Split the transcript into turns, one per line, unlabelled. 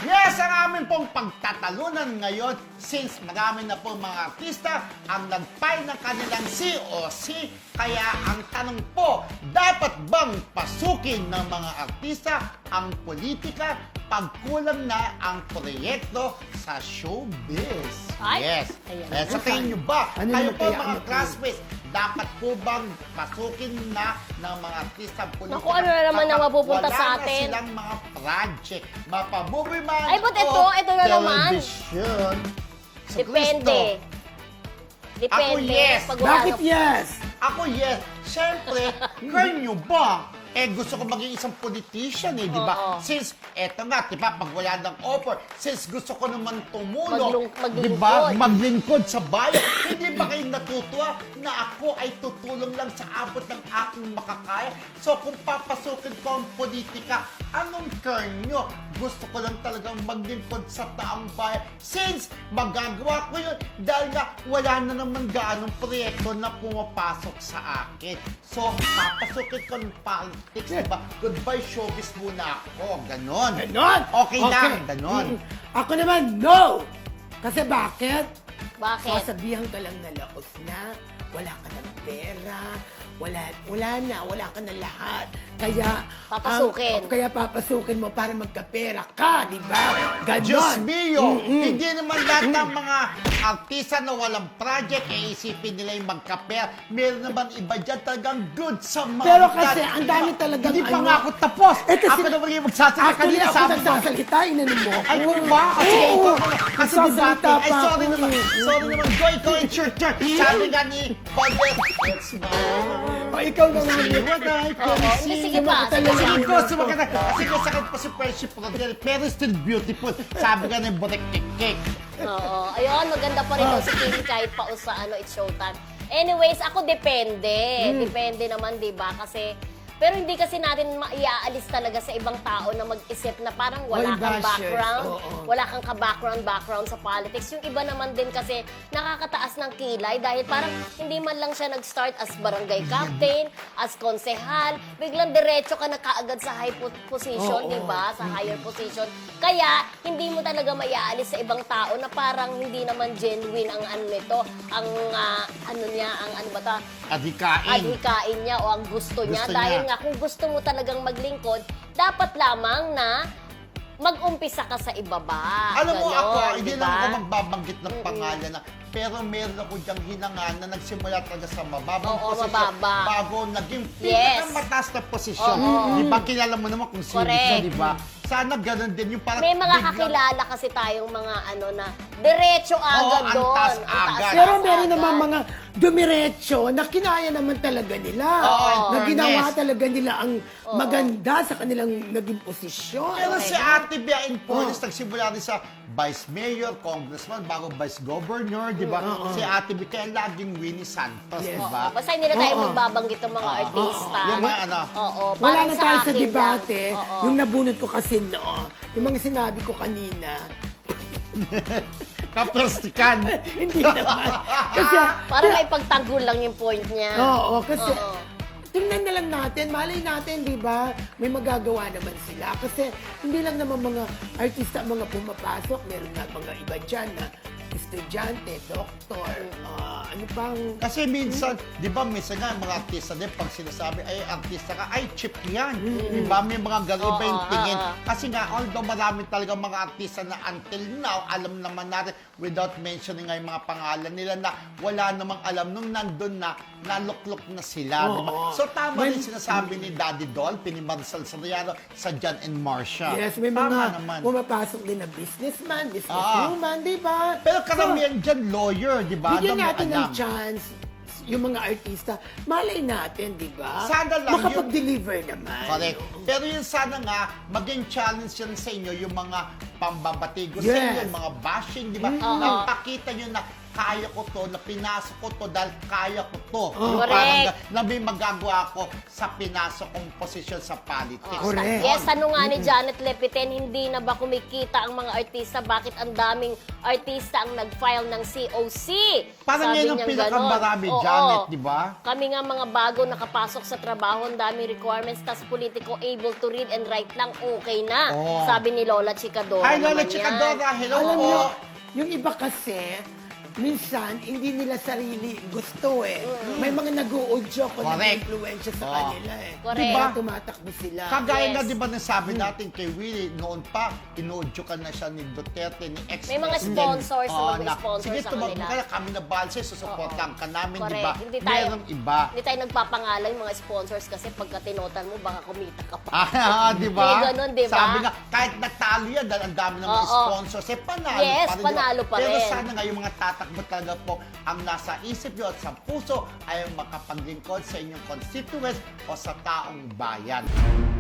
Yes, ang amin pong pagtatalunan ngayon since marami na po mga artista ang nag-file ng kanilang COC. Kaya ang tanong po, dapat bang pasukin ng mga artista ang politika pag kulang na ang proyekto sa showbiz?
Ay,
Yes.
ayan.
Eh, sa tingin nyo ba,
Ano
kayo
naman
po
kaya
mga
ang
classmates, dapat po bang pasukin na ng mga artista ang politika?
Naku, ano na naman ang mapupunta sa atin?
Wala na silang mga project, mapamovie man
Ay, but ito
o
na naman.
television. Sa
Depende.
Kristo.
Depende.
Ako, yes.
Pag wala
Bakit
na-
yes?
Ako, yes. Siyempre, kanyo ba? Gusto ko maging isang politician di ba?
Oo.
Since, eto nga, di ba, pag wala ng offer, since gusto ko naman tumulong,
Maglingkod.
di ba, maglingkod sa bayan, hindi ba kayo natutuwa na ako ay tutulong lang sa abot ng aking makakaya? So, kung papasukin ko ang politika, anong turn nyo? Gusto ko lang talagang maglingkod sa taong bayan since magagawa ko yun dahil nga wala na naman gaanong proyekto na pumapasok sa akin. So, papasukin ko ng politics, diba? Goodbye showbiz muna ako. Ganon.
Ganon?
Okay lang, ganon.
Ako naman, no! Kasi bakit?
Bakit?
Sasabihan ka lang na laos na, wala ka ng pera, wala ka na lahat. Kaya,
Papasukin.
kaya papasukin mo para magkapera ka, di ba? Ganon.
Diyos mio, hindi naman lahat ng mga artista na walang project, isipin nila yung magkaper. Meron naman iba dyan talagang good sa mga
Pero
edad.
kasi, ang dami
Diba?
talagang
Hindi pa
ano-
nga ako tapos.
Kasi,
Ako naman yung magsasalita
actually,
kanina,
ako
sabi mo.
nagsasalita, inanin mo.
Ay, kung ba? Kasi
Oo,
ikaw naman. Kasi
nagsasalita
debate. Ay,
pa
sorry
ako
naman.
eh.
Sorry naman. Go, ikaw, it's your turn. Sabi nga ni Paul, it's mine.
O, ikaw naman.
See what I can
Oo,
see.
hindi, sige pa.
Talaga.
Sige ko, sumakit na. Kasi masakit pa si Friendship Rodel, pero still beautiful. Sabi nga ng Borek Cake.
Oo. Ayun, maganda pa rin daw si Kim kahit pa sa It's Showtime. Anyways, ako depende. Depende naman, di ba? Kasi, pero hindi kasi natin maiaalis talaga sa ibang tao na mag-isip na parang wala
Oy,
kang
bashers.
background,
Oo.
wala kang ka-background sa politics. Yung iba naman din kasi nakakataas ng kilay dahil parang hindi man lang siya nag-start as barangay captain, as konsehal, biglang diretso ka na kaagad sa high position,
Oo.
di ba? Sa higher position. Kaya, hindi mo talaga maiaalis sa ibang tao na parang hindi naman genuine ang ano nito, ang ano niya, ang ano ba ta?
Adhikain.
Adhikain niya o ang gusto niya.
Gusto
Dahil
niya.
nga, kung gusto mo talagang maglingkod, dapat lamang na mag-umpisa ka sa ibaba.
Alam mo
Ganon,
ako, hindi
diba?
lang ako magbabanggit ng pangalan na, pero meron ako diyang hinangan na nagsimula talaga sa mababang
Oo,
posisyon
mababa.
bago naging
Yes.
pinakamataas na posisyon.
Oo.
Di ba? Kilala mo naman kung sino siya,
Correct.
di ba? Sana ganun din yung parang
May mga
biglang-
kakilala kasi tayong mga ano na diretso agad
ang
doon.
taas
Ang taas
agad.
Pero
agad.
meron naman mga dumiretso na kinaya naman talaga nila.
Oo,
na ginawa
yes.
talaga nila ang maganda sa kanilang naging posisyon.
Pero
Okay.
si Ate Bea in Police, nagsimula rin sa Vice Mayor, Congressman, bago Vice Governor, di ba? Si Ate Bea, kaya laging Winnie Santos,
Yes.
di ba?
Basta hindi na tayo
Oo.
magbabanggit ng mga artista.
Yung mga ano.
Oo.
Wala
parang
na
sa
tayo sa
akin
debate.
lang. Oo.
Yung nabunot ko kasi yung mga sinabi ko kanina,
Kaplastikan.
hindi naman. Kasi,
Parang may pagtanggol lang yung point niya.
oo, kasi,
Oo.
tingnan na lang natin, malay natin, di ba? May magagawa naman sila. Kasi, hindi lang naman mga artista ang mga pumapasok. Meron nga mga iba dyan na estudyante, doktor, ano pang...
Kasi minsan, di ba, minsan nga, mga artista din, pag sinasabi, ay, artista ka, ay, cheap yan. Di ba? May mga iba yung
Oo,
tingin.
oo.
Kasi nga, although marami talaga mga artista na until now, alam naman natin, without mentioning nga yung mga pangalan nila na wala namang alam nung nandun na, naluklok na sila. Di ba?
Oo.
So, tama rin sinasabi ni Daddy Dolphy, ni Marcel Soriano, sa John and Marcia.
Yes, may
Tama
mga
naman.
pumapasok din na businesswoman, di ba?
Pero karamihan dyan, lawyer, di ba?
Bigyan
Alam mo,
natin ng
alam.
chance yung mga artista. Malay natin, di ba?
Sana lang
makapag-deliver naman.
Correct. Pero yun sana nga, maging challenge yan sa inyo yung mga pambabatigo sa
Yes.
inyo, yung mga bashing, di ba?
Oo.
Napakita nyo na kaya ko to, na pinasok ko to dahil kaya ko to. Yung
Correct.
parang na may magagawa ko sa pinasok kong posisyon sa politics.
Correct.
Yes, tanong nga ni Janet Lepiten, hindi na ba kumikita ang mga artista? Bakit ang daming artista ang nag-file ng COC?
Parang
Sabi
yan ang
niyang
pinakamarami,
ganon. Oo.
Janet, di ba?
Kami nga mga bago nakapasok sa trabaho, ang daming requirements, tas politiko able to read and write lang, okay na.
Oo.
Sabi ni Lola Chicadora
Hi, Lola
naman
Chicadora.
yan.
Hello
Alam
po.
niyo, yung iba kasi, minsan, hindi nila sarili gusto eh. May mga nag-uudyo ko na
Correct.
influensya sa
Oo.
kanila eh.
Correct.
Diba?
Kaya tumatakbo sila.
Kagaya
Yes.
nga, di ba, nasabi natin kay Willie, noon pa, inuudyo ka na siya ni Duterte, ni ex
May mga sponsors na mag-sponsor
sige,
sa
tumawag
kanila.
ka na, kami na balse, susuportahan ka namin, di
Correct.
ba?
Hindi tayo,
Merong iba.
Hindi tayo nagpapangalan yung mga sponsors kasi pagka tinotal mo, baka kumita ka pa.
Di ba?
May ganun, di ba?
Sabi nga, kahit nagtalo yan, dahil ang dami ng mga
Oo.
sponsors, panalo
Yes,
pa rin.
panalo pa
Pero
rin.
sana nga yung mga tatakbo talaga po, ang nasa isip nyo at sa puso ay makapaglingkod sa inyong constituents o sa taong bayan.